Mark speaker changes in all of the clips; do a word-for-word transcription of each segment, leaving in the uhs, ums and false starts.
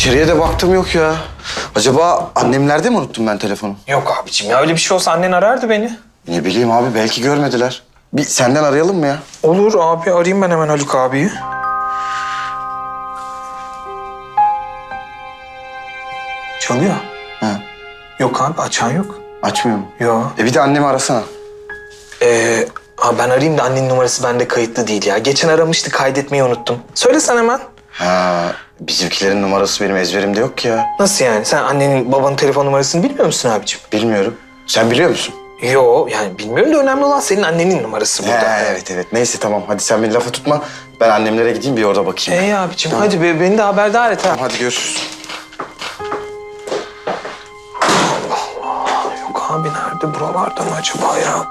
Speaker 1: İçeriye de baktım yok ya. Acaba annemlerde mi unuttum ben telefonu?
Speaker 2: Yok abicim ya, öyle bir şey olsa annen arardı beni.
Speaker 1: Ne bileyim abi, belki görmediler. Bir senden arayalım mı ya?
Speaker 2: Olur abi, arayayım ben hemen Haluk abiyi. Çalıyor.
Speaker 1: Ha,
Speaker 2: Yok abi, açan yok.
Speaker 1: açmıyor mu?
Speaker 2: Yok.
Speaker 1: E bir de annemi arasana.
Speaker 2: Ee, abi ben arayayım da annenin numarası bende kayıtlı değil ya. Geçen aramıştı, kaydetmeyi unuttum. Söylesen hemen.
Speaker 1: Ha, bizimkilerin numarası benim ezberimde yok ki ya.
Speaker 2: Nasıl yani? Sen annenin babanın telefon numarasını bilmiyor musun abicim?
Speaker 1: Bilmiyorum. Sen biliyor musun?
Speaker 2: Yo, yani bilmiyorum da önemli olan senin annenin numarası burada.
Speaker 1: He, evet evet. Neyse tamam. Hadi sen beni lafa tutma. Ben annemlere gideyim, bir orada bakayım.
Speaker 2: İyi abicim, hadi be, beni de haberdar et ha.
Speaker 1: Hadi görüşürüz.
Speaker 2: Yok abi, nerede? Buralarda mı acaba ya?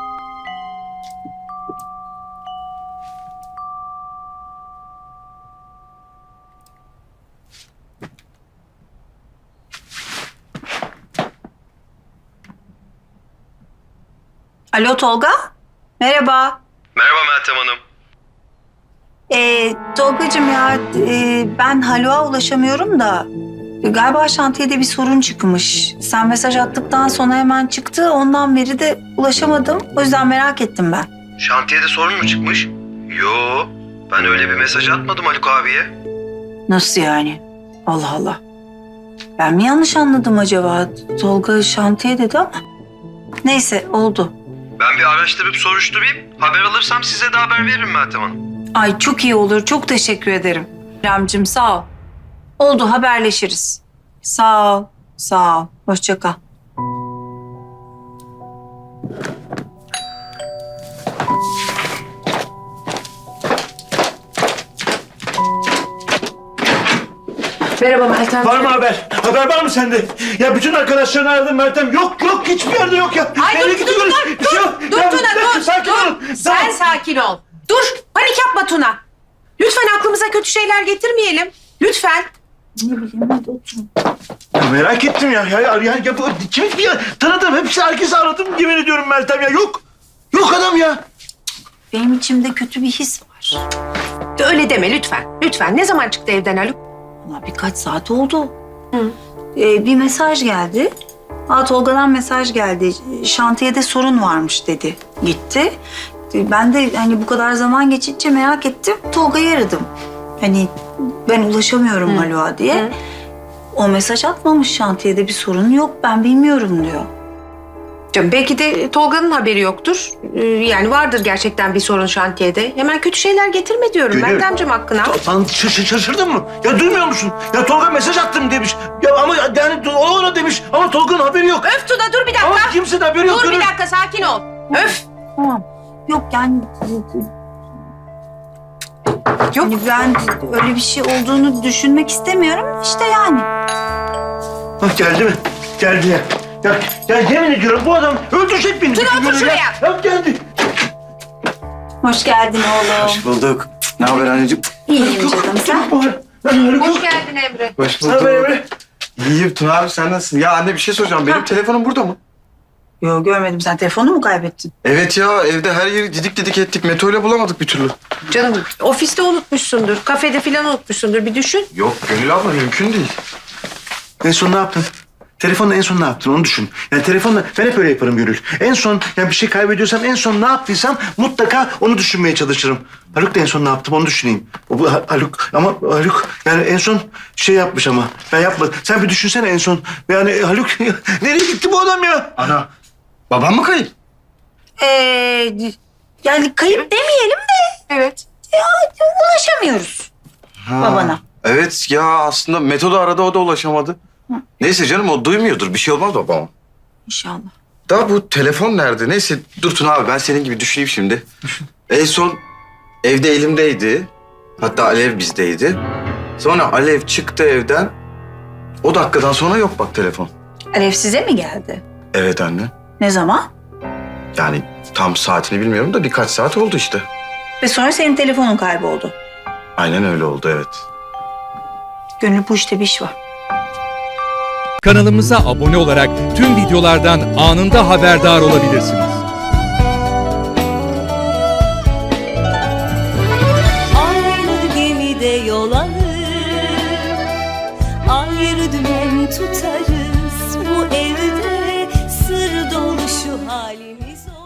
Speaker 3: Alo Tolga, merhaba.
Speaker 4: Merhaba Meltem Hanım.
Speaker 3: Ee, Tolgacığım ya, e, ben Haluk'a ulaşamıyorum da e, galiba şantiyede bir sorun çıkmış. Sen mesaj attıktan sonra hemen çıktı, ondan beri de ulaşamadım. O yüzden merak ettim ben.
Speaker 4: Şantiyede sorun mu çıkmış? Yo, ben öyle bir mesaj atmadım Haluk abiye.
Speaker 3: Nasıl yani? Allah Allah. Ben mi yanlış anladım acaba? Tolga şantiye dedi ama. Neyse, oldu.
Speaker 4: Ben bir araştırıp soruşturayım. Haber alırsam size de haber veririm Meltem Hanım.
Speaker 3: Ay çok iyi olur, çok teşekkür ederim. Ramcığım sağ ol. Oldu, haberleşiriz. Sağ ol, sağ ol. Hoşça kal.
Speaker 5: Merhaba Meltem.
Speaker 6: Var mı haber? Haber var mı sende? Ya bütün arkadaşlarını aradım Meltem. Yok yok, hiçbir yerde yok ya.
Speaker 5: Ay
Speaker 6: Nereye
Speaker 5: dur dur
Speaker 6: gidiyoruz?
Speaker 5: dur
Speaker 6: Bir şey
Speaker 5: dur
Speaker 6: yok.
Speaker 5: dur
Speaker 6: Ya,
Speaker 5: Tuna
Speaker 6: bir dakika,
Speaker 5: dur
Speaker 6: sakin
Speaker 5: dur.
Speaker 6: olun.
Speaker 5: Sen
Speaker 6: Tamam.
Speaker 5: sakin ol. Dur panik yapma Tuna. Lütfen aklımıza kötü şeyler getirmeyelim. Lütfen.
Speaker 3: Ne bileyim, hadi oturun.
Speaker 6: Ya merak ettim ya. Ya, ya, ya, ya bu kimi bir tanıdım. Hepsi herkesi aradım. Yemin ediyorum Meltem ya. Yok. Yok adam ya.
Speaker 3: Benim içimde kötü bir his var.
Speaker 5: Öyle deme lütfen. Lütfen. Ne zaman çıktı evden Haluk?
Speaker 3: Valla birkaç saat oldu.
Speaker 5: Hı.
Speaker 3: Ee, bir mesaj geldi. Aa, Tolga'dan mesaj geldi. Şantiyede sorun varmış dedi. Gitti. Ee, Ben de hani bu kadar zaman geçince merak ettim. Tolga'yı aradım. Hani ben ulaşamıyorum Haluk'a diye.
Speaker 5: Hı.
Speaker 3: O mesaj atmamış, şantiyede bir sorun yok, ben bilmiyorum diyor.
Speaker 5: Canım, belki de Tolga'nın haberi yoktur. Ee, yani vardır gerçekten bir sorun şantiyede. Hemen kötü şeyler getirme diyorum
Speaker 6: Gönül.
Speaker 5: Meltemciğim hakkına.
Speaker 6: Lan şaş- şaşırdın mı? Ya duymuyor musun? Ya Tolga mesaj attım demiş. Ya ama yani o ona demiş. Ama Tolga'nın haberi yok.
Speaker 5: Öf Tuna dur bir dakika.
Speaker 6: Ama kimsenin haberi yok.
Speaker 5: Dur bir
Speaker 6: Gönül.
Speaker 5: dakika sakin ol. Öf.
Speaker 3: Tamam. Yok yani...
Speaker 5: Yok.
Speaker 3: Hani ben öyle bir şey olduğunu düşünmek istemiyorum. İşte yani.
Speaker 6: Bak geldi mi? Geldi ya. Ya, ya yemin ediyorum bu adam öldürecek beni.
Speaker 5: Tuna, otur
Speaker 6: Gönül ya.
Speaker 5: şuraya.
Speaker 6: Ya geldi.
Speaker 3: Hoş geldin oğlum.
Speaker 1: Hoş bulduk. Ne haber anneciğim?
Speaker 3: İyiyim canım, sen?
Speaker 6: Ben Haluk
Speaker 5: Hoş
Speaker 6: yok.
Speaker 5: geldin Emre.
Speaker 1: Hoş
Speaker 6: Ne haber Emre?
Speaker 1: İyiyim Tuna abi, sen nasılsın? Ya anne bir şey soracağım. Benim telefonum burada mı?
Speaker 3: Yok, görmedim. Sen telefonu mu kaybettin?
Speaker 1: Evet ya, evde her yeri didik didik ettik. Mete'yle bulamadık bir türlü.
Speaker 5: Canım ofiste unutmuşsundur, kafede falan unutmuşsundur. Bir düşün.
Speaker 1: Yok Gönül abla, mümkün değil.
Speaker 6: En son ne yaptın? Telefonla en son ne yaptın onu düşün. Yani telefonla ben hep öyle yaparım Gönül. En son yani bir şey kaybediyorsam en son ne yaptıysam mutlaka onu düşünmeye çalışırım. Haluk da en son ne yaptım onu düşüneyim. O, bu Ha- Haluk ama Haluk yani en son şey yapmış ama ben yapmadım. Sen bir düşünsene en son. Yani Haluk nereye gitti bu adam ya?
Speaker 1: Ana, babam mı kayıp?
Speaker 3: Ee, yani kayıp demeyelim de
Speaker 5: Evet.
Speaker 3: ulaşamıyoruz
Speaker 1: Ha,
Speaker 3: babana.
Speaker 1: Evet ya, aslında Meto da aradı, o da ulaşamadı. Neyse canım, o duymuyordur. Bir şey olmaz babama.
Speaker 3: İnşallah.
Speaker 1: Daha bu telefon nerede? Neyse dur Tuna abi, ben senin gibi düşüneyim şimdi. En son evde elimdeydi. Hatta Alev bizdeydi. Sonra Alev çıktı evden. O dakikadan sonra yok bak telefon.
Speaker 3: Alev size mi geldi?
Speaker 1: Evet anne.
Speaker 3: Ne zaman?
Speaker 1: Yani tam saatini bilmiyorum da birkaç saat oldu işte.
Speaker 3: Ve sonra senin telefonun kayboldu.
Speaker 1: Aynen öyle oldu, evet.
Speaker 3: Gönül, bu işte bir iş var.
Speaker 7: Kanalımıza abone olarak tüm videolardan anında haberdar olabilirsiniz.
Speaker 8: Aynı gemide yol alır, bir dümen tutarız. Bu evde sır dolu şu halimiz.